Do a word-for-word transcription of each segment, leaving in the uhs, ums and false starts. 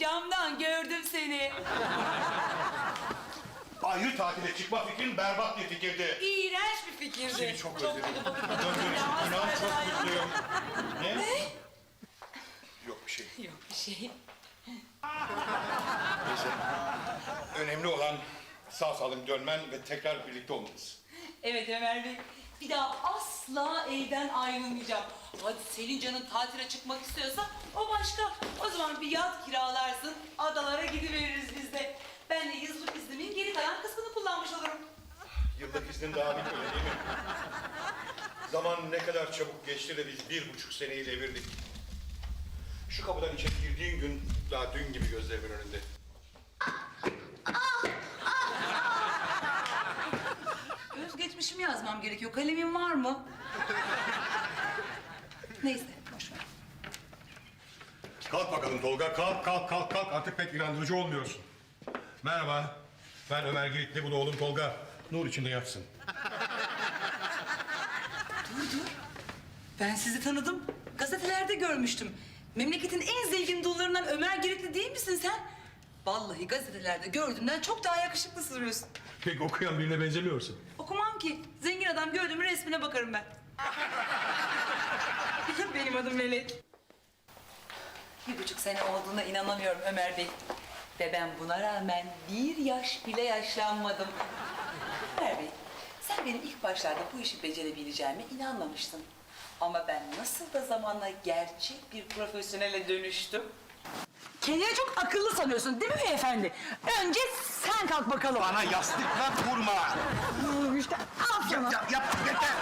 camdan gördüm seni. Ayrı tatile çıkma fikrin berbat bir fikirdi. İğrenç bir fikirdi. Seni çok özledim. kötü bakımdan. Döndüğün için Ya, inan çok ya. mutluyum. Ne? Ne? Yok bir şey. Yok bir şey. Neyse. Önemli olan sağ salim dönmen ve tekrar birlikte olmamız. Evet Ömer Bey. Bir daha asla evden ayrılmayacağım. Hadi Selin Can'ın tatile çıkmak istiyorsa o başka. O zaman bir yat kiralarsın, adalara gidiveririz biz de. Ben de yazılık iznimin geri kalan kısmını kullanmış olurum. Yıllık iznin daha bitmedi değil mi? Zaman ne kadar çabuk geçti de biz bir buçuk seneyi devirdik. Şu kapıdan içeri girdiğin gün daha dün gibi gözlerimin önünde. Özgeçmişimi yazmam gerekiyor. Kalemim var mı? Neyse, boş ver. Kalk bakalım Tolga, kalk kalk kalk kalk. Artık pek inandırıcı olmuyorsun. Merhaba, ben Ömer Giritli, bu da oğlum Tolga. Nur içinde yatsın. Dur dur. Ben sizi tanıdım. Gazetelerde görmüştüm. Memleketin en zengin dullarından Ömer Giritli değil misin sen? Vallahi gazetelerde gördüğümden çok daha yakışıklı duruyorsun. Pek okuyan birine benzemiyorsun. Okumam ki. Zengin adam gördüğümün resmine bakarım ben. Benim adım Melek. Bir buçuk sene olduğuna inanamıyorum Ömer Bey. Ve ben buna rağmen bir yaş bile yaşlanmadım. Ömer Bey, sen benim ilk başlarda bu işi becerebileceğime inanmamıştın. Ama ben nasıl da zamanla gerçek bir profesyonele dönüştüm. Kendini çok akıllı sanıyorsun değil mi beyefendi? Önce sen kalk bakalım. Bana yastıkla vurma. Hmm, İşte al sana. Yap, yap, yeter.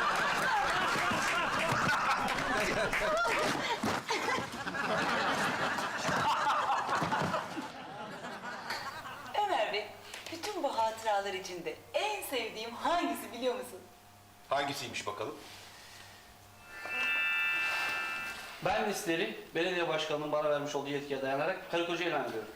Ömer Bey, bütün bu hatıralar içinde en sevdiğim hangisi biliyor musun? Hangisiymiş bakalım? Ben listeleri belediye başkanının bana vermiş olduğu yetkiye dayanarak karı koca ilan ediyorum.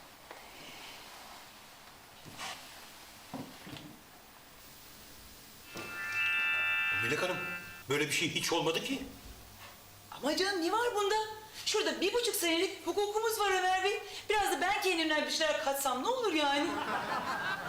Melek Hanım, böyle bir şey hiç olmadı ki. Ama canım ne var bunda? Şurada bir buçuk senelik hukukumuz var Ömer Bey. Biraz da ben kendimden bir şeyler katsam ne olur yani?